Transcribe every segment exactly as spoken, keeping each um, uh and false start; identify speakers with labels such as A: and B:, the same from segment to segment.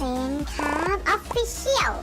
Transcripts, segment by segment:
A: นครับออฟฟิเชียล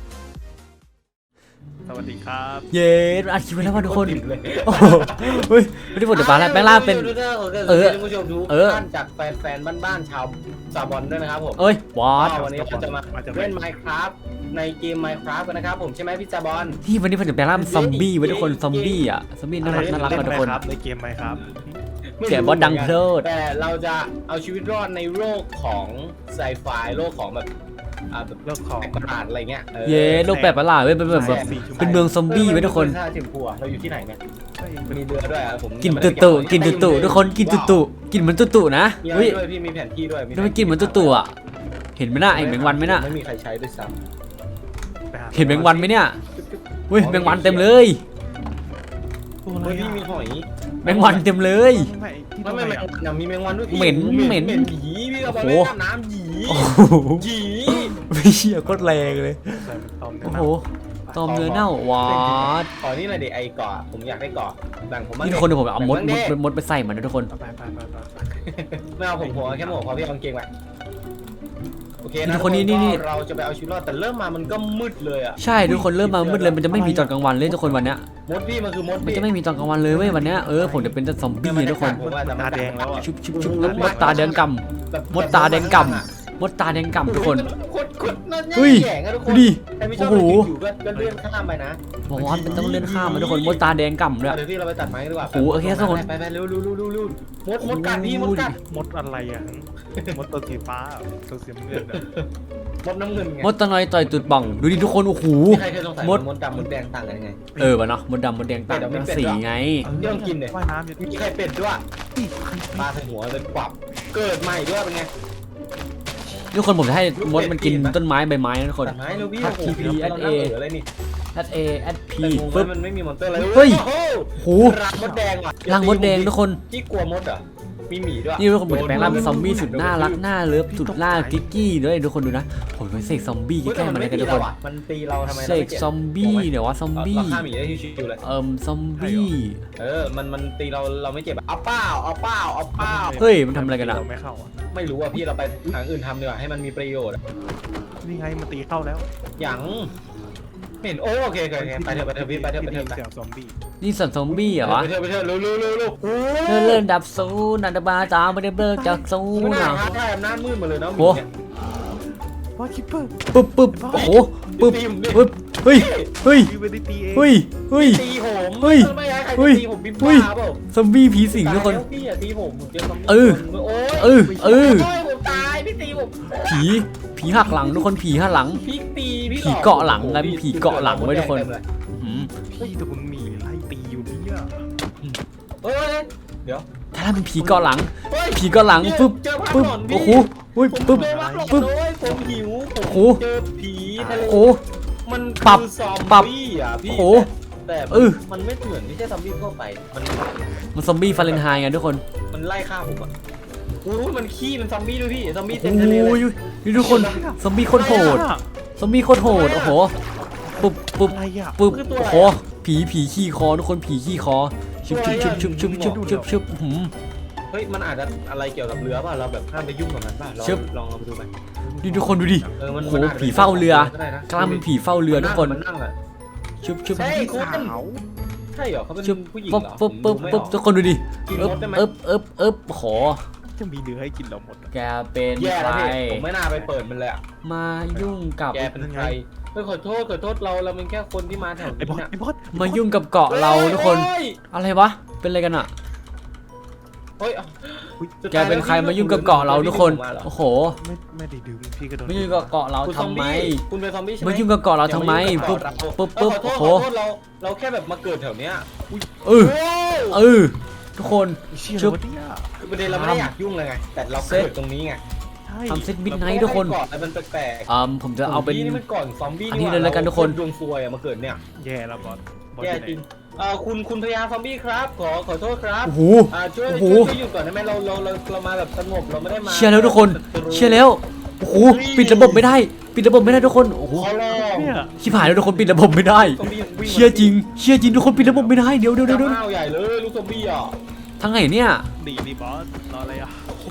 B: สวัสดีครับ
C: เย้อัดคลิปไปแล้วว่าทุกคนโอ้โหเฮ้ยไม่ได้ผลจะปาแล้วแปลงร่างเป็นเออ
D: ท่านผู้ชมทุกท่านจากแฟนๆบ้านๆชาวซาบอนด้วยนะครับผม
C: เอ้ยวอด
D: วันนี้เราจะมาเล่น Minecraft ในเกม Minecraft กันนะครับผมใช่ไหมพี่ซาบอน
C: ที่วันนี้ผมจะแปลงร่างเป็นซอมบี้ไว้ทุกคนซอมบี้อ่ะซอมบี้น่ารักน่ารัก
B: เล่
C: กัน
B: น
C: ทุก
B: ไหม
C: คน
B: ครับในเกมไหมครับ
C: เสียบอสดังเพลิด
D: แต่เราจะเอาชีวิตรอดในโลกของไซไฟโลกของแบบอ่าแบบ
B: เลิกของ
D: แปลกประหลาดอะไรเงี้ยออ
C: เย้โลกแปลกประหลาดเว้ยเป็นแบบเป็นเมืองซอมบี้ไว้ทุกคน
D: ท่าเทียมพัวเราอยู่ที่ไหนเนี่ยมีเรือด้วยอ่ะผม
C: กินตุ่ตุกินตุ่ตุทุกคนกินตุ่ตุกินเหมือนตุ่ตุนะ
D: มีอะไร
C: เฮ้ย
D: ด้วยพี่มีแผนที่ด้วย
C: ทำไมกินเหมือนตุ่ตุอ่ะเห็นไหมน่ะไอ้แมงวันไหมน่ะ
D: ไม่มีใครใช้ด้วยซ้
C: เห็นแมงวันไหมเนี่ยเฮ้ยแมงวันเต็มเลย
B: ตัว
D: ำ
B: อะไร
D: เฮ้ยพี่
B: อ่ะ
D: มีหอย
C: แมงวันเต็มเลย
B: ไม่ที่
D: ไม่
B: ทำไม
D: ไม่แมง
B: อ่ะ
D: วันมีแมงวันด้วยพี่
C: เหม็นเหม็น
D: เหม็นผีพี่ก็บอก
C: โอ้
D: ว่า
C: โห
D: น้ำหยี
C: โอ้โห
D: หยี
C: ไม่เชี่ยโคตรแรงเลย
B: ใส่ตอม
C: โอ้โหตอมเนื้อเน่าวอด
D: ขอนี่หน่อยดิไอ้เกาะผมอยากได้เกาะแบ่งผมบ้าง
C: นี่
D: ดิ
C: ทุกคนเดี๋ยวผมเอามด
D: แบ่
C: ม
D: ง
C: ด
D: บ้างดิ
C: มดไปใส่มันนะทุกคน
B: ไปไปไปไป
D: ไม่เอาผมหัวแค่หมวกพอพี่เอากางเกงไปโอเค
C: นี่
D: นะ
C: ทุกคนนี่นี่นี่
D: ก็เราจะไปเอาชีวิตรอดแต่เริ่มมามันก็มืดเลยอ่ะ
C: ใช่ทุกคนเริ่มมามืดเลยมันจะไม่มีตอนกลางวันเลยทุกคนวันเนี้ย
D: มดพี่มันคือมด
C: มัน
D: พี่
C: จะไม่มีตอนกลางวันเลยเว้ยวันเนี้ยเออผมจะเป็นแต่ซอมบี้ทุกคน
D: ผมว่าจะ
B: ตาแดงแล้วอ่ะ
C: ชุบชุบชุบแล้วมดตาแดงกำมดตาแดงกำมดตาแดงกำทุกคน
D: โคตรโคตรน่า
C: เฮ้ย
D: แย่งอะทุกค
C: ดู
D: น
C: ดิ
D: ใครไม่ชอบ
C: โอ้โห
D: อยู่ก็ก็เลื่อนข้ามไปนะ
C: บอกว่ามันต้องเลื่อนข้ามมาทุกคนมดตาแดงกำด้วย
D: เดี๋ยวพี่เราไปตัดไม้กันดีกว่า
C: โอ้โหโอเคทุกคน
D: ไปไปเร็วเร็วเร็วเร็วเร็วมดมดกัดพี่มดกัด
B: มดอะไรอ่ะมดตัวสีฟ้าตัวสีน้ำเงิน
D: มดน้ำเงินไง
C: มดตะนอยต่อยตุดป่องดูดิทุกคนโอ้โห
D: มีใครเคยสงสัย
C: มด
D: มดดำมดแดงต่างกันยังไง
C: เออวะเนาะมดดำมดแดงต่างกันสีไง
D: เรื่องกินเนี่ย
B: ว่ายน้ำอยู่
D: มีใครเป็ดด้วยปลาใส่หัวเป็นปรับเกิดใหม่ด้วยเป็นไง
C: ทุกคนผมจะให้มดมันกินต้นไม้ใบไม้นะทุกคน
D: ตัดไม้เร็วพี่
C: ทัก
D: โอ้โห
C: ทีพี
D: เรานั่ง
C: เอสเอ
D: เอออะไรนี่
C: แอดเอแอดพี
D: แต่งง
C: ปึ๊บ
D: มันไม่มีมอนเตอร์อะไร
C: เฮ้ย
D: โอ้
C: โห
D: รังมดแดงว่ะ
C: รังมดแดงทุกคน
D: พี่กลัวมดเหรอมีหมีด้วย
C: นี่ทุกคนผมจะแปลงร่างเป็นซอมบี้สุดน่ารักน่าเลิฟสุดน่ากิ๊กกี้ด้วยทุกคนดูนะผมจะเสกซอมบี้
D: เฮ้ย
C: แกล้
D: แต่
C: ง
D: มั
C: มัน น
D: ไม่
C: กัน
D: ตี
C: ทุกค
D: เรา
C: น
D: อ่ะมันตีเราทำไม
C: เสกซอมบี้เดี๋ยวว่าซอมบี้
D: เราฆ่าหมีได้ชิวๆเลย
C: เอิ่มซอมบี้
D: เออมันมันตีเราเราไม่เจ็บอะเอาเป้าเอาเป้าเอาเป้า
C: เฮ้ยมันทำอะไรกันอะ
B: เราไม่เข้าอ่ะ
D: ไม่รู้อ่ะพี่เราไปทางอื่นทำดีกว่าให้มันมีประโยชน์อะ
B: นี่ไงมันตีเข้าแล้ว
D: อย่างไม่เห็นโอ้โอเคโอเคโอเคไปเถอะไปเถอะพี่ไปเถอะไปเถอะไป
B: เสียงซอมบี้
C: นี่สัตว์ซอมบี้เหรอวะ
D: ไปเถอะไปเถอะเร็วเร็วเร็วเร็วโอ้
C: เลื่อนเลื่อนดับซูนันดาบาตาไม่ได้เบิกจากซู
D: ไม่น่า
C: นะ
D: ท้าทายอำนาจมืดมาเลยนะ
C: โอ้
D: เนี่ย
B: ว่าคิปเปอร์
C: ปึ๊บปึ๊บโอ้โหปึ๊บ
D: ตีผมดิ
C: ปึ๊บเฮ้ยเฮ้ย
B: ยูเวดิตีเอง
C: เฮ้ยเฮ้ย
D: ตีผม
C: เฮ้ย
D: ไม่ให้ใคร
C: เฮ้ย
D: ตีผมบิ๊บ
C: เฮ้ย
D: บ้าเปล่า
C: ซอมบี้ผีสิงทุกคน
D: ตายแล้วพี่อย่าตีผมผมเจอซอมบี้
C: เออ
D: โอ้ย
C: เออเออ
D: โยผมตายพี่ตีผม
C: ผีผีหักหลังทุกคนผีหักหลัง
D: พี่ตีพี่
C: ผีเกาะหลังไงเป็นผีเกาะหลังไว้ทุกคน อืม
B: พี่แต่คุณหมีไล่ตีอยู่เนี่ย
D: เฮ้ยเดี๋ยว
C: ถ้าเป็นผีเกาะหลัง
D: เฮ้ย
C: ผีเกาะหลังปึ๊บ
D: เจอภาพ
C: ปึ๊บ
D: หลอนพี่
C: โอ้โหเฮ้ย
D: ผม
C: ปึ๊บ
D: เจอภาพหลอน
C: ปึ๊บ
D: เลยผมหิวผม
C: โอ้โห
D: เจอผีทะเล
C: โอ้โห
D: มัน
C: ปรับ
D: คือซอม
C: ปรับ
D: บี้อ่ะพี่
C: โอ้โห
D: แต่
C: เออ
D: มันไม่เหมือนไม่ใช่ซอมบี้ทั่วไปมัน
C: มันซอมบี้ฟาเรนไฮน์ไงทุกคน
D: มันไล่ฆ่าผมอ่ะโอ้ยมันขี้มันซอมบี้ด้วยพี่ซอมบี้
C: โอ้
D: เต็มทะเลเลย
C: ยนี่ทุกคนซอมบี้โคตรโหดซอมบี้โคตรโหดโอ้โหปึ๊บปึ๊บ
B: อะไรอ่ะ
C: ปึ๊บโอ้โหผีผีขี้คอทุกคนผีขี้คอชุบชุบชุบชุบชุบชุบชุบชุบหืม
D: เฮ้ยมันอาจจะอะไรเกี่ยวกับเรือป่ะเราแบบห้ามไปยุ่งกับมันป่ะลอง
C: ชึบ
D: ลองเราไปดูไป
C: นี่ทุกคนดูดิ
D: เออมัน
C: โอ้โห
D: มันอาจจะ
C: ผีเฝ้าเรือ
D: ก็ได้นะ
C: กล้ามเป็นผีเฝ้าเรือทุกคน
D: มันนั่งอ่ะ
C: ชุบชุบ
D: ใช่
B: พี่
D: คุณ
B: สาว
D: ใช่เหรอเขาเป็น
C: ชุบ
D: ผู้หญิง
C: ปึ๊บ
D: เหรอ
C: ปึ๊บปึ๊บ
D: ผมดูไม่
C: ปึ๊บ
D: ออก
C: ทุกคนดูดิ
D: กิน
C: เอิบ
D: มดได้ไหม
C: เอิบเอิบเอิบขอ
B: จะมีเนื้อให้กินเราหมด
C: แกเป็น
D: แย่
C: ใค
D: แล้ว
C: ร
D: พี่ผมไม่น่าไปเปิดมันเลยอ่ะ
C: มายุ่งกับ
D: แกเป็นใครเฮ้ยขอโทษขอโทษเราเราเป็นแค่คนที่มาแถว
B: ไอ้
D: นี้
B: บอส
D: น่ะ
B: ไอ้บอส
C: มายุ่งกับเกาะเราทุกคน
D: เฮ้ย
C: อะไรวะเป็นอะไรกันอะ
D: เฮ้ย
C: แกเป็นใครมายุ่งกับเกาะเราทุกคนโอ้โห
B: ไม่ไม่ได้ดื่มพี่ก็โดน
C: มายุ่งกับเกาะเรา
D: คุณซอ
C: ทำ
D: ม
C: ไม
D: บี้คุณเป็นซอมบี้ใช่ไหม
C: มายุ่งกับเกาะเราทำไม
D: อย่าายุ่
C: ปึ๊
D: ง
C: บ
D: กับเกาะเรา
C: ปึ๊บ
D: เอ
C: ปึ๊
D: อบ ขอโท
C: โอ้
D: ษ
C: โห
D: ขอโทษเราเราแค่แบบมาเกิดแถวเนี้ยอุ้ย
C: เออ
D: โอ้ย
C: เออทุกคน
B: เชี่ย
C: ชึบ
B: วะเนี่ย
D: คือประเด็นเราไม่ได้อยากยุ่งเลยไงแต่เรา
C: เซ็ต
D: เกิดตรงนี้ไง
B: ใช่
C: ทำเซตมิด
D: เรา
C: ไนท์ทุกคน
D: เกาะอะไรมันแปลกๆ
C: อ่าผมจะเอาเป็น
D: นี่มันก่อนซอมบี้
C: อันนี้เลยแล้วกันทุกคน
D: ดวงซวยอะมาเกิดเนี่ย
B: แย่แล้วบอสบอส
D: แย่
B: อยู่ไหน
D: จริงเอ่อคุณคุณพยาซอมบี้ครับขอขอโทษครับ
C: โอ้โห
D: อ่าช่วย
C: โอ้โห
D: ช่วยช่วยหยุดก่อนได้ไหมเราเราเราเรามาแบบสงบเราไม่ได้มา
C: เชียร์แล้วทุกคนเชียร์แล้วโอ้โหปิดระบบไม่ได้ปิดระบบไม่ได้ทุกคนโอ้โห
D: ขอร้อง
B: เนี่ย
C: ชิบหายแล้วทุกคนปิดระบบไม่ได้
D: ซอมบี้ยังวิ่ง
C: เชียร์จริงเชียร์จริงทุกคนปิดระบบไม่ได้เดี๋ยวเดี๋ยวเดี๋ยวเดี๋ยว
D: ห้าวใหญ่เลยลูกซอมบี้อ่ะ
C: ทางไหนเนี่ย
B: ดีดีบอสรออะไรอ่ะ
C: โอ้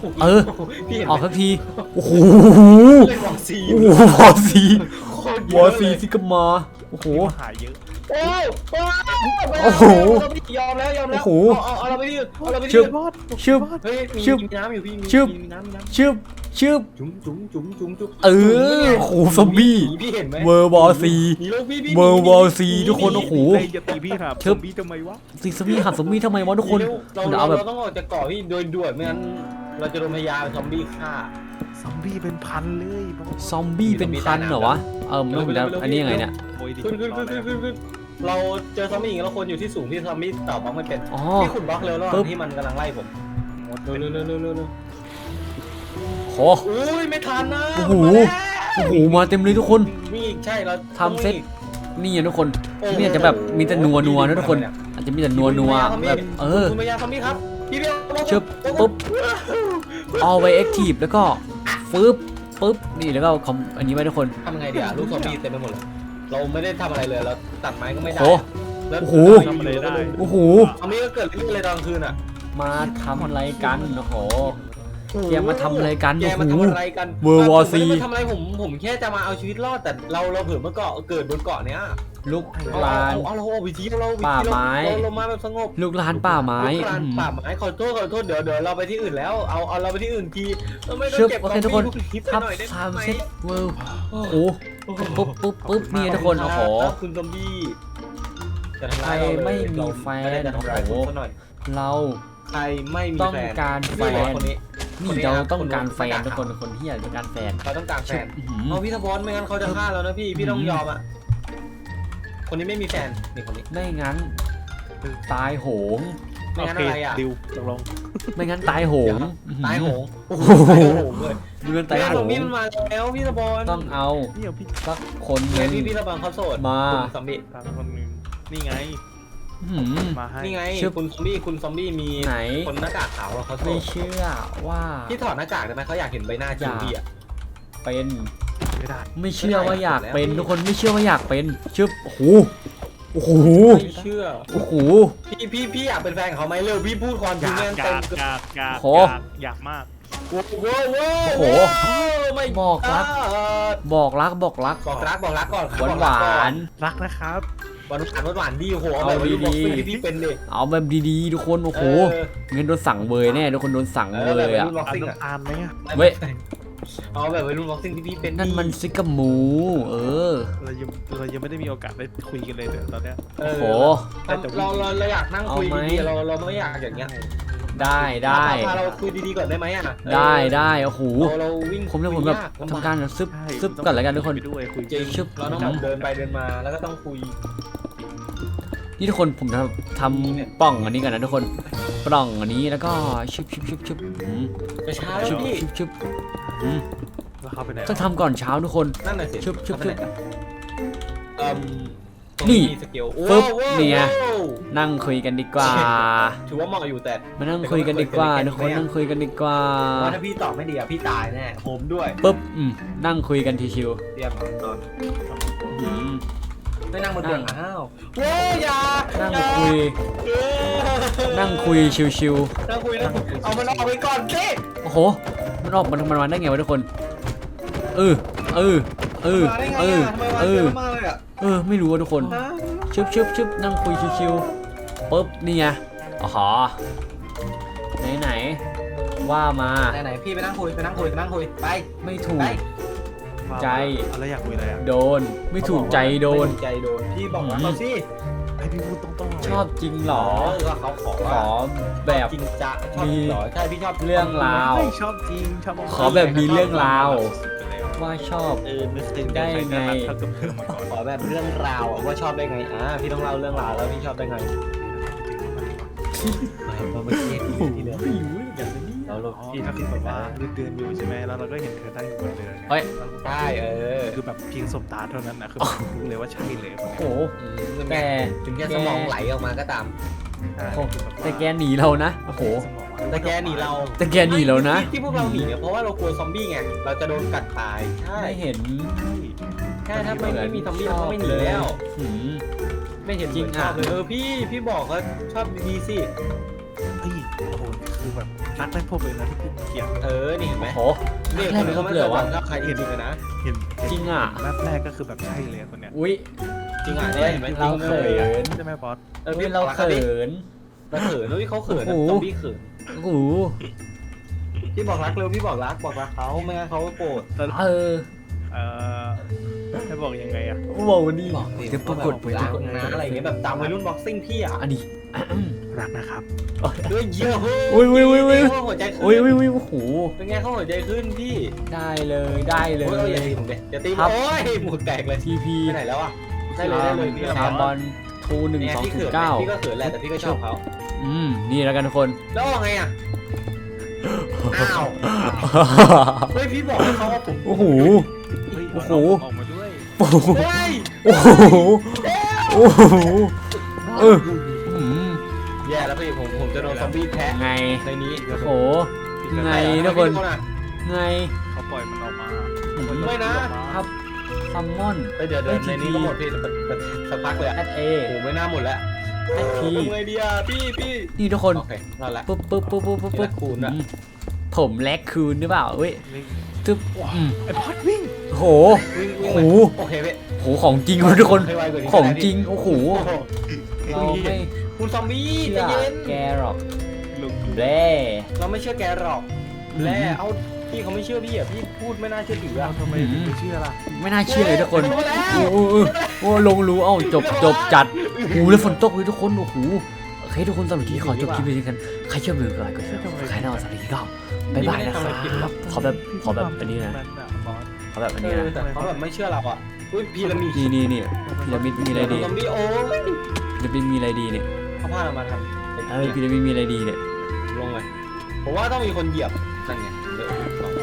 C: เออ
D: พี่เห็น
C: ออกสักทีโอ้โห
D: เล่นวอร์ซี
C: โอ้โหวอร์ซี
D: โคตรเยว
C: อ
D: อะ
C: ร์ซี
D: เลย
C: ซิกามาโอ้โห
B: ที่มาหาเยอะ
D: โอ้ยโอ้ย
C: โอ้โห
D: ยอมแล้วยอมแล้ว
C: โอ้โห
D: เอาเอาเราไปที่อื่นเอาเราไปที่
C: ชึบ
D: อื่น
C: ชึบ
D: เฮ้ยมี
C: ชึบ
D: มีน้ำอยู่พี่มี
C: ชึบ
D: มีน้ำมีน้ำ
C: ชึบชึบ
D: จุ๋มจุ๋มจุ๋มจุ๋มจุ๋มจุ๋ม
C: เออโอ้โหซอมบี้
D: หนีพี่เห็นไหม
C: เวอร์วอร์ซี
D: หนีแล้วพี่พี่
C: เวอร์
D: หนี
C: วอร์ซี
D: ห
C: ทุกคนโอ้โห
B: เฮ้ยอย่าตีพี่ครับ
C: ชึบ
B: ซอมบี้ทำไมวะ
C: ซีซอมบี้หับซอมบี้ทำไมวะทุกคน
D: เรา
C: มัน
D: เรา
C: เอาแบบ
D: เราต้องออกจากเกาะพี่โดยด่วนไม่งั้นเราจะโดนพยาซอมบี้ฆ่า
B: ซอมบี้เป็นพันเลยบอส
C: ซอมบี้เป็นพันเหรอวะเออมันต้องเป็นแล้วอันนี้ยังไงเนี่ย
B: โอ้ยดิ
D: ขึ้นขึ้นขึ้นขึ้นขึ้นขึ้นเราเจอซอมบี้อย่างนี้เราควรอยู่ที่สูงที่ซอมบี้ต่อบล็อกไม่เป็น
C: อ๋อ
D: พี่ขุดบล็อกเร็วระห
C: ปึ๊
D: ว่าง
C: บ
D: ที่มันกำลังไล่ผมเร็วเร็วเร็วเร็วเร็วเร็ว
C: โห
D: อุ้ยไม่ทันนะ
C: โอ้โห
D: มาแล้ว
C: โอ้โหมาเต็มเลยทุกคน
D: มีอีกใช่เรา
C: ทำเซ็ต นี่อะทุกคน
D: โอ้โห
C: นี่อาจจะแบบมีแต่นัวนัวนะทุกคน อาจจะมีแต่นัวนัวแบบเออ
D: คุณพยาซอมบี้ครับพี่เบี้ย
C: ชึบปุ๊บ เอาไว้ active แล้วก็ฟึบปึ๊บนี่แล้วก็คอมอันนี้ไว้ทุกคน
D: ทำไงดีอะลูกซอมบี้เต็มไปหมดเลยเราไม่ได้ทำอะไรเลยเราตัดไม้ก็ไม่ได้
C: โอ้
D: แล้ว
C: โอ้โห
B: ทำอะไรได้
C: โอ้โห
D: ซอมบี้ก็เกิดเรื่องอะไรตอนกลางคืนอะ
C: มาทำอะไรกันโอ้โห แกมาทำอะไรกัน
D: แกมา
C: โอ้โห
D: ทำอะไรกัน
C: World War
D: ผมไม่ได้
C: C
D: มาทำอะไรผมผมแค่จะมาเอาชีวิตรอดแต่เราเราเผื่อเมื่อเกาะเกิดบนเกาะเนี้ย
C: ลูก
D: เอา
C: ลาน
D: เอาเอาเราเอาวิธีเราวิธี
C: ป่าไม้
D: เราเรามาแบบสงบ
C: ลูกลานป่าไม้
D: ลูกลาน
C: อืม
D: ป่าไม้ขอโทษขอโทษเดี๋ยวเดี๋ยวเราไปที่อื่นแล้วเอาเอาเราไปที่อื่นทีเราไม่ต้อ
C: ชึ
D: ง
C: บ
D: เก็บ
C: โอเคทุกคน
D: ซอมบี้
C: ทับ
D: หน่อยได้
C: สาม
D: ไหม
C: เซตเวิร์โอ้โหปุ๊บปุ๊บปุ๊บนี่ทุกคนโอ้โห
D: ครับคุณซอมบี้จะทำ
C: ใคร
D: ร้ายเราเลย
C: ไม่มีแฟน
D: เราไม่ได้จะทำร้ายคุณ
C: โอ้โห
D: ซะหน่อย
C: เรา
D: ใครไม่มี
C: ต้อง
D: แฟน
C: การแฟ
D: นี่เลย
C: น
D: คนนี้
C: นี่เราต้องการแฟนทุกคนคนที่อยากต้องการแฟน
D: เราต้องการแฟน
C: อื้อหือ
D: เอาพี่ทบอลไม่งั้นเขาจะฆ่าเรานะพี่พี่ต้องยอมอ่ะคนนี้ไม่มีแฟนนี่คนนี้
C: ไม่งั้นตายโหง
D: ไม่
B: โอ
D: งั้น
B: เค
D: อะไรอ่ะ
B: ดิวตกลง
C: ไม่งั้นตายโหง
D: ตายโหง
C: โอ้โห
D: ตายโหงเลย
C: ไม่งั้น
D: ตา
C: ตาย ย
D: โห
C: โห
D: ง
C: ง
D: นี่มันมาแล้วพี่ทบอล
C: ต้องเอา
B: นี่เอาพี่
C: สักคนห
D: ไง
C: นึ่ง
D: พี่พี่ทบอลเขาโสด
C: มา
D: คุณซอมบี้
B: ตามคนหนึงนี่ไง
C: อื้อหือ
B: มาให้
D: นี่ไง
C: ชื่อ
D: คุณซอมบี้คุณซอมบี้มี
C: ไหน
D: คนหน้ากากขาวอะเขาโส
C: ไม่
D: ด
C: เชื่อว่า
D: พี่ถอดหน้ากากได้ไหมเขาอยากเห็นใบหน้าจริงพี่อ่ะ
C: เป็น
B: ไม่ได้
C: ไม่เชื่อว่าอยากเป็น
D: ไม่ได้
C: ทุกคนไม่เชื่อว่าอยากเป็นชึบโอ้โหโอ้โห
D: ไม่เชื่อ
C: โอ้โห
D: พี่พี่พี่อยากเป็นแฟนของเขาไหมเร็วพี่พูดความ
B: อ
D: จริง
B: ยาก
D: แม่ง
B: อ
D: เต็
B: ยาม กอยากอยาก
C: โห
B: อยากอยากมาก
D: โว้โว้โว้
C: โอ้โห
D: ไม่
C: บอกรัก บอกรักบอกรัก
D: บอกรักบอกรักก่อน
C: หวานหวาน
B: รักนะครับ
D: หวานหวานหวานหวานดีโอ้โหเอา
C: เอา
D: แบบว่า
C: ดี
D: ลูก
C: ๆ
D: บ็อกซิ่งที่พี่เป็นดิ
C: ๆเอาแบบดีๆทุกคนโอ้โห
D: เออ
C: เงินโดนสั่งเบยแน่ทุกคนโดนสั่ง
D: เอ
C: เบ
D: อแบบ
C: ยอ่ะ
D: รุ่นบ็อก
B: อัน
D: ซิ่ง
B: น้ำตาลไหมอะ
C: เว้ย
D: เอาแบบวัยรุ่นบ็อกซิ่งที่พี่เป็น
C: นั่นมันซิกามู เออ
B: เรายังเรายังไม่ได้มีโอกาสได้คุยกันเลยเดี๋ยวตอนเนี้ย
D: เอ
C: โอ้
D: อ
C: โห
D: เราเราเราอยากนั่งคุย
C: เอาไหม
D: ดีๆเราเราไม่อยากอย่างเงี้ย
C: ได้ได้
D: พาเราคุยดีๆก่อนได้ไหมอ่ะ
C: ได้ได้โอ้โห
D: เราเราวิ่ง
C: ผมเนี่ยผมแบบ
D: คุยยลำบ
C: ทำการซึบ
B: ใช่
C: ซึบก่อนแล้วกันทุกคน
B: ไปด้วยคุย
D: จริง
C: ชึบ
D: เราต้องแบบเดินไปเดินมาแล้วก็ต้องคุย
C: นี่ทุกคนผมจะทำปล่องอันนี้กันนะทุกคนปล่องอันนี้แล้วก็ชึบชึบชึบชึบอืม
D: จะช้าแล้
C: ชึ
D: ว
C: บ
D: พี่
C: ชึบชึบอืม
B: แล้วเขาไปไหน
C: ต้องทำก่อนเช้าทุกคน
D: นั่นน่ะสิ
C: ชึบชึบชึบ
D: เอ่ม
C: นี่
D: มีสเกล
C: ปึ๊บ
D: โอ้โห
C: นี่ไง
D: โอ้โห
C: นั่งคุยกันดีกว่า
D: ถือว่าเหมาะอยู่แต่
C: มานั่งคุยกันดีกว่าทุกคนนั่งคุยกันดีกว่า
D: ว่าถ้าพี่ตอบไม่ดีอ่ะพี่ตายแน่ผมด้วย
C: ปุ๊บอืมนั่งคุยกันทีชิว
D: เตรียมนอน
C: อืม
D: ไม่นั่งบนเตียง
C: นั่ง
D: อ้าวโว้ยอย่า
C: นั่ง
D: อย่า
C: คุย
D: เออ
C: นั่งคุยชิว
D: นั่งคุยนั่งคุยเอามันออกไปก่อนสิ
C: ๆโอ้โหมันออกมันมันมาได้ไงวะทุกคนเออเออเออ
D: มาได้ไง
C: เออ
D: อ่ะทำไมมา
C: เอ
D: เย
C: อ
D: อะมากเลยอ่ะ
C: เออไม่รู้ว่าทุกคน
D: ฮะ
C: ชึบชึบชึบนั่งคุยชิวๆปุ๊บนี่ไงอ๋อไหนไหนๆว่ามา
D: ไหนไหนๆพี่ไปนั่งคุยไปนั่งคุยไปนั่งคุยไป
C: ไม่ถูก
D: ไป
C: ใจ
B: อะไรอยากคุยอะไรอ่ะ
C: โดนไม่ถูกใจโดน
D: ไม่ถูกใจโดนพี่บอกว่าเขาสิ
B: ให้พี่พูดตรงๆเลย
C: ชอบจริงเหรอ
D: เออว่าเขาขอ
C: ข
D: ว่า
C: อแบบ
D: จริงจะชอบ
C: มี
D: เหรอใช่พี่ชอบ
C: เรื่องราว
B: ไม่ชอบจริงชอบ
C: ขอแบบมีเรื่องราว
B: สุดๆไปแล้ว
C: ว่าชอบ
B: เออไม่เคย
C: ได้ไง
B: เท่ากับเธอมาก่อน
D: ขอแบบเรื่องราวอะว่าชอบได้ไงอ่าพี่ต้องเล่าเรื่องราวแล้วพี่ชอบได้ไงไม่เพราะเมื่อกี้ที่ที่เรื่อง
C: ไม่รู้อย่างนี้
D: เราเรา
B: อ๋อ
D: พี่
B: ก็คือ
D: แบ
B: แบบ บ
D: ว่า
B: ว่าเดินๆอยู่ใช่ไหมแล้วเราก็เห็นเธอนั่งอยู่บนเรือ
C: เฮ้ย
D: ใช่เออ
B: คือแบบเพียงสบตาเท่านั้นนะคือรู้เลยว่าใช่เลยคน
C: โอ้
B: นี้
C: โห
D: อืม
C: แต่
D: ถึงแค่สมองไหลออกมาก็ตาม
B: ใช่
C: โอ้โห
B: คือบบว่า
C: แต่แกหนีเรานะโอ้โห
B: สมอง
D: แต่แกหนีเรา
C: แต่แกหนีเรานะ
D: ที่ที่พวกเราหนีเนี่ยเพราะว่าเรากลัวซอมบี้ไงเราจะโดนกัดตายใช่
C: ไม่เห็น
D: ใช่ถ้าไม่ไม่มีซอมบี้เราก็ไม่หนีแล้ว
C: หืม
D: ไม่เห็น
C: จริง
D: เหมือนชอบ
C: อ่ะ
D: เลยเออพี่พี่บอกเขาชอบดีๆสิ
B: เฮ้ยโอ้โหคือแบบรักได้พบเลยนะที่ผมเกลียด
D: เออนี่เห็นไหม
C: โอ้
D: นี่
C: แร
D: ค
C: ก
D: น
C: ไม่
D: นี้
C: ต้
D: เขา
C: อง
D: ไม่
C: เหลื
D: เค
C: อย
D: หวั
C: วะ
D: งกับใครจริงๆนะ
B: เห็นเห็น
C: จริงอ่ะ
B: แรกแรกก็คือแบบใช่เลยคนเนี้ย
C: อุ้ย
D: จริงอ่ะเนี่ยเห็นไหม
C: เราเขิน
B: ใช่ไหมบอส
D: เออ
C: อุ้
D: พี่
C: ยเราเขิน
D: เราเขินด้วยเขาเขิน
C: โอ้โห
D: ซอมบี้เขิน
C: โอ้โห
D: พี่บอกรักเร็วพี่บอกรักบอกรักเขาไม่งั้นเขาก็โกรธ
C: เออ
B: เออให้บอกยังไงอะ
C: บอกวันนี้
D: บอกดิ
C: เดี๋ยวปรากฏไป
D: รั
C: ทุก
D: ก
C: คน
D: นะอะไรอย่างเงี้ยแบบตามวัยรุ่นบ็อกซิ่งพี่อ่ะ
C: อันนี้
B: รักนะครับ
D: ด้วยเยอะ
C: อุ้ยอุ้ยอุ้ยอุ้ย
D: เขาหัวใจขึ้น
C: อุ้ยอุ้ยอุ้ยโอ้โห
D: เป็นไงเขาหัวใจขึ้นพี่
C: ได้เลยได้เล
D: โอ้ยอย่าตี
C: ย
D: ผมเด็อย่าตีผม
C: ครับ
D: โอ้ยหมวกแตกเลย
C: ทีพี
D: ไปไหนแล้วอ่ะได้เลยได้เลยพี่
C: คาร์บอนทูหนึ่ง
D: เนี่ย
C: สอง
D: พี่
C: ศู
D: เขิ
C: น
D: น
C: ย์เก้า
D: พี่ก็เขินแหละแต่พี่ก็ชอบเขา
C: อืมนี่แล้วกันทุกคน
D: แล้วว่าไงอ่ะอ้าวเฮ้ยพี่บอกให้เขาว่าผม
C: โอ้โห
B: เฮ้ย
C: โอ้โห
B: ออกมาด้วย
C: โอ้โห
D: เฮ้ย
C: โอ้โหโอ้โหเอออืม
D: แย่แล้วพี่ผมผมจะโดนซอมบี้แทะ
C: ไง
D: ในนี้
C: โอ้โหไงทุกคนไง
B: เขาปล่อยมันออกมา
D: ไม่นะครับ
C: ซัมมอน
D: เฮ้ยเดี๋ยวเดี๋ยวในนี้ก็หมดพี่สักพักเลย
C: แอ
D: อ่ะ
C: ดเอ
D: โอ้ไม่น่าหมดแล้ว
C: แอดพี
D: ทำไงดีอ่ะพี่พี่
C: นี่ทุกคน
D: โอเคนั่นแหละ
C: ปุ๊บปุ๊บปุ๊บปุ๊บปุ๊บปุ๊บ
D: แลคคูนอะ
C: อืมผมแลกคืนหรือเปล่าเว้ยตึ๊บอืม
B: ไอ้พอดวิ่ง
C: โห
D: วิ่งวิ่ง
C: โอ้
D: ไป
C: โห
D: โอเคพี่
C: โหของจริงเลยทุกคน
D: ให้ไวกว่านี้
C: ของ
D: ได้พี่
C: จริงโอ้โห
D: โอ้โห
C: เราไม่
D: คุณซอมบี้
C: เชื่
D: ใจ
C: อ
D: เย็น
C: แกหรอก
B: ลุง
C: แร่
D: เราไม่เชื่อแกหรอกแล่เอาพี่เขาไม่เชื่อพี่อ่ะพี่พูดไม่น่าเชื่อถืออ่ะ
B: ทำไมถึงไม่เชื่อล่ะ
C: ไม่น่าเชื่อเลยทุกคน
D: ลงมาแล้ว
C: โอ้โหโอ้โหลงรู้เอ้าจบจบจัดโอ้โหแล้วฝนตกเลยทุกคนโอ้โหโอเคทุกคนสำหรับที่ขอจบคลิปไปที่กันใครชอบดูก็ไลค์กดแชร์ใครน่าสนใจก็บ๊ายบายนะครับขอแบบขอแบบอันนี้นะ
B: บอส
C: ขอแบบอัน
D: เอ
C: นี้
D: อ
C: นะ
D: แต่เขาแบบไม่เชื่อเราอ่ะอุ้ยพีระมิด
C: นี่นี่นี่พีระมิดมีอะไรดี
D: ซอมบี้โอ้ย
C: พีระมิดมีอะไรดีเนี่ย
D: เขาพาเรามาทำ
C: เออพีระมิดมีอะไรดีเนี่ย
D: ลงเลยผมว่าต้องมีคนเหยียบนั่นไงเดี๋ยว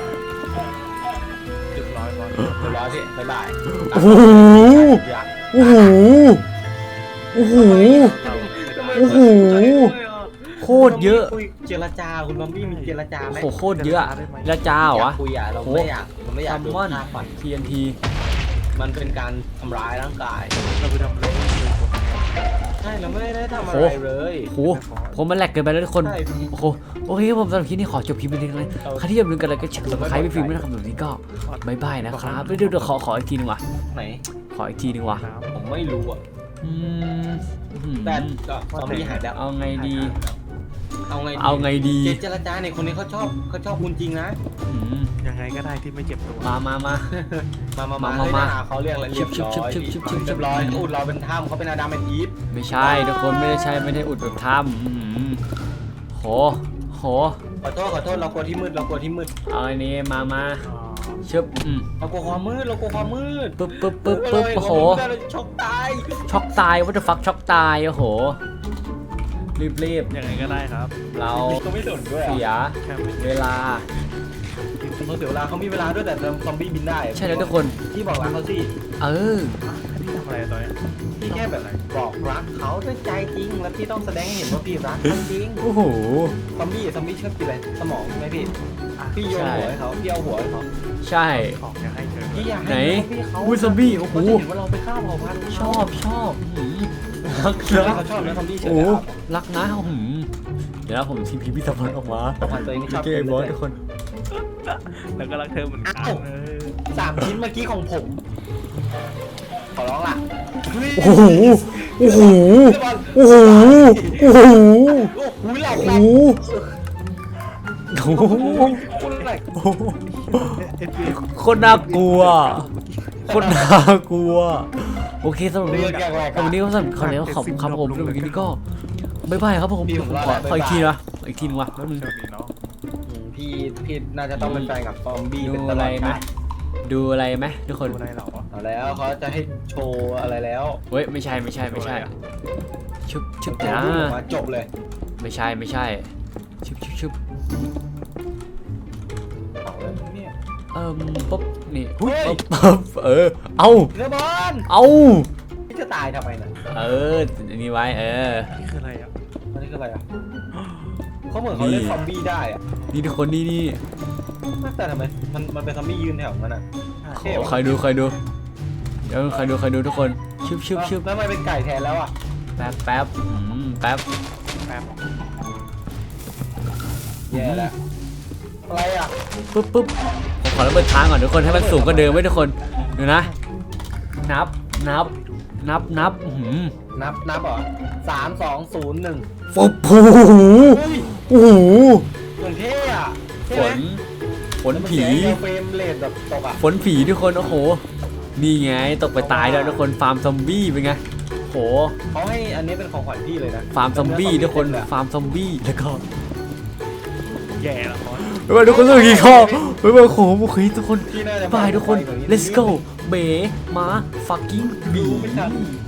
B: จุดร้อยบอส
D: เดี๋ยวรอพี่บ๊ายบาย
C: โอ้โหโอ้โหโอ้โห โอ้โห โคตรเยอะ
D: คุเจรจาคุณบอมบี้มีเจรจาไหม
C: โอ้โหโคตรเยอะแล้วจ้าเหรอวะ
D: คุยอ่ะเราไม่อยากเราไม่อยา
C: ซั
D: ก
C: ม
D: โดน
C: มอน
D: ฆ่าฟัน
C: ที เอ็น ที
D: มันเป็นการทำร้ายร่างกาย
B: เราไปทำอะไร
D: ใช่เราไม่ได้ทำอะ
C: โอ้
D: ไรเลย
C: โอ้โหผมมันแหลกเกินไปแล้วทุกคน
D: ใช่
C: โอ้โหโอเคครับผมสำหรับคลิปนี้ขอจบคลิปไปเพียงเท่านี้ใครที่อยากรู้กันอะไรก็เช็คสมัครไปฟิล์มด้วยนะครับแบบนี้ก็บายบายนะครับเดี๋ยวเดี๋ยวขอขออีกทีนึงว่ะ
D: ไหน
C: ขออีกทีนึงว่ะ
B: น้ำ
D: ผมไม่รู้อ่ะ
C: อืมอืม
D: แต่ก็ซอมบี้หายแล้ว
C: เอาไงดี
D: เอาไงดี
C: เอาไงดี
D: เจรจาเนี่ยคนนี้เขาชอบเขาชอบคุณจริงนะ
C: อืม
B: ยังไงก็ได้ที่ไม่เจ็บตัว
C: มามามา
D: มามา
C: มา
D: มา
C: มา
D: เฮ้ย
C: มา
D: หน้าเขาเรียกอะไรเรียบร้อย
C: ชิบชิบชิบชิบชิบ
D: เรียบร้อยอุดเราเป็นถ้ำเขาเป็นอาดัมเป็นอีฟ
C: ไม่ใช่ทุกคนไม่ได้ใช่ไม่ได้อุดแบบถ้ำอืมโหโห
D: ขอโทษขอโทษเรากลัวที่มืดเรากลัวที่มืด
C: เอาอันนี้มามา
B: อ๋อ
C: ชึบอืม
D: เรากลัวความมืดเรากลัวความมืด
C: ปึ๊บปึ๊บปึ๊บปึ๊บโอ้โห
D: เราช็อกตาย
C: ช็อกตายวัตถุฟักช็อกตายโอ้โหรีบรีบ
B: ยังไงก็ได้ครับ
C: เรา
D: เขาไม่สนด้วย
C: เสีย
B: แค่ไม่
C: เวลา
D: เขาเสียเวลาเขามีเวลาด้วยแต่ซอมบี้บินได้
C: ใช่แล้วทุกคน
D: ที่บอกรักเขาสิ
C: เออ
B: พี่ทำอะไรตอนเนี้ย
D: พี่แค่แบบบอกรักเขาด้วยใจจริง แล้วพี่ต้องแสดงให้เห็นว่าพี่รักเขาจริง
C: โอ้โห
D: ซอมบี้ซอมบี้ชอบกินอะไรสมองใช่ไหมพี่
B: อ่ะ
D: พี่โยน
C: ใช่
D: หัวให้เขาพี่เอาหัวให้เขา
C: ใช่
B: ของจะให้เธอ
D: พี่อยาก
C: ไหน
D: ให้พี่เขา
C: อุ้ยซอมบี้โอ้โห
D: เขาจะเห็นว่าเราไปฆ่าเผ่าพันธุ์
C: ชอบชอบหืมรัก
D: เชื่อ
C: นะ
D: เขาชอบนะซอมบี้เชื่
C: โอ้
D: อ
C: โห
D: แล้ว
C: รักนะหืมเดี๋ยวนะผมทีพีพิธภัณฑ์ออกมา
D: เผ่าพันธุ์ตัวเองชอบ
C: เกย์บอสทุกคน
B: แล้วก็รักเธอเหมือนกันเออ
D: สามชิ้นเมื่อกี้ของผม ขอร้องล่ะ
C: โอ้โหโอ้โหโอ้โหโอ้โห
D: โอ้โหหลับห
C: โอ้
D: ลับ
C: โหโอ้โห
D: คุณอะไร
C: โอ้โห
B: เอฟพี
C: โคนน่ากลัวโคนน่ากลัวโอเคสำหรับวัน
D: เรื่
C: นี้
D: องแกล้ง
C: วันนี้ก็สำหรับคอนเทนต์ขอบคุณครับผมสำหรับวันนี้ก็บ๊ายบายครับผมผมขอขออีกทีนะอีกทีนึงว่ะแป๊บนึง
B: โชคดีเนาะ
D: พี่พี่น่าจะต้องเป็นแฟนกับซอมบี้
C: ดู
D: เป็นต
C: อะ
D: ล
C: ไร
D: อด
C: ไหม
D: กาล
C: ดูอะไรไหมทุกคน
B: ดูอะไรเหรอ
D: เอาแล้วเขาจะให้โชว์อะไรแล้ว
C: เฮ้ยไม่ใช่ไม่ใช่ไม่ใช่ชึบชึบ
D: โช
C: นะ
D: ว์รูปออกมาจบเลย
C: ไม่ใช่ไม่ใช่ชึบชึบชึบ
D: เอาแล้วเนี่ย
C: เอิ่มปุ๊บนี่
D: เฮ้ย
C: ปุ๊บปุ๊บเออเอา
D: เรือบอล
C: เอา
D: พี่จะตายทำไมน่ะ
C: เอออันนี้ไว้เออ
B: นี่คืออะไรอ่ะ
D: อันนี้คืออะไรอ่ะเขาเหมือนเขาเล่นซอมบี้ได้อ่ะ
C: นี่ทุกคนนี่นี่
D: แต่ทำไมมันมันเป็นซอมบี้ยืนแถวนั้นอ่ะ
C: ขอใครดูใครดูเดี๋ยวใครดูใครดูทุกคนชึบชึบชึบ
D: แล้วทำไมเป็นไก่แทนแล้วอ่ะ
C: แป๊บแป๊บอืมแป๊บ
B: แป๊บ
D: แย่แล้วอะไรอ่ะ
C: ปุ๊บปุ๊บผมขอระเบิดทางก่อนทุกคนให้มันสูงกว่าเดิมไว้ทุกคนดูนะนับนับนับนับอื้อหือ
D: นับนับเหรอสามสองศูนย์หนึ่ง
C: โอ้โหโอ้โห
D: เหมือนเท่อะใช่
C: ฝ
D: ไหม
C: นฝนผี
D: เฟรมเรทแบบตกอ่ะ
C: ฝนผีทุกคนโอ้โหนี่ไงตกไปตายแล้วทุกคนฟาร์มซอมบี้เป็นไงโอ้โห
D: เขาให้อันนี้เป็นของขวัญพี่เลยนะ
C: ฟาร์มซอมบี้ทุกคนฟาร์มซอมบี้แล้วก็
B: แย่ละคร
C: ไม่ว่าทุกคนต้องกินข้าวไม่ว่าโอ้โหโอเคทุกคน
D: พี่น่าจะ
C: บายทุกคน let's go เบ๋มา fucking บี
D: ไม่ทัน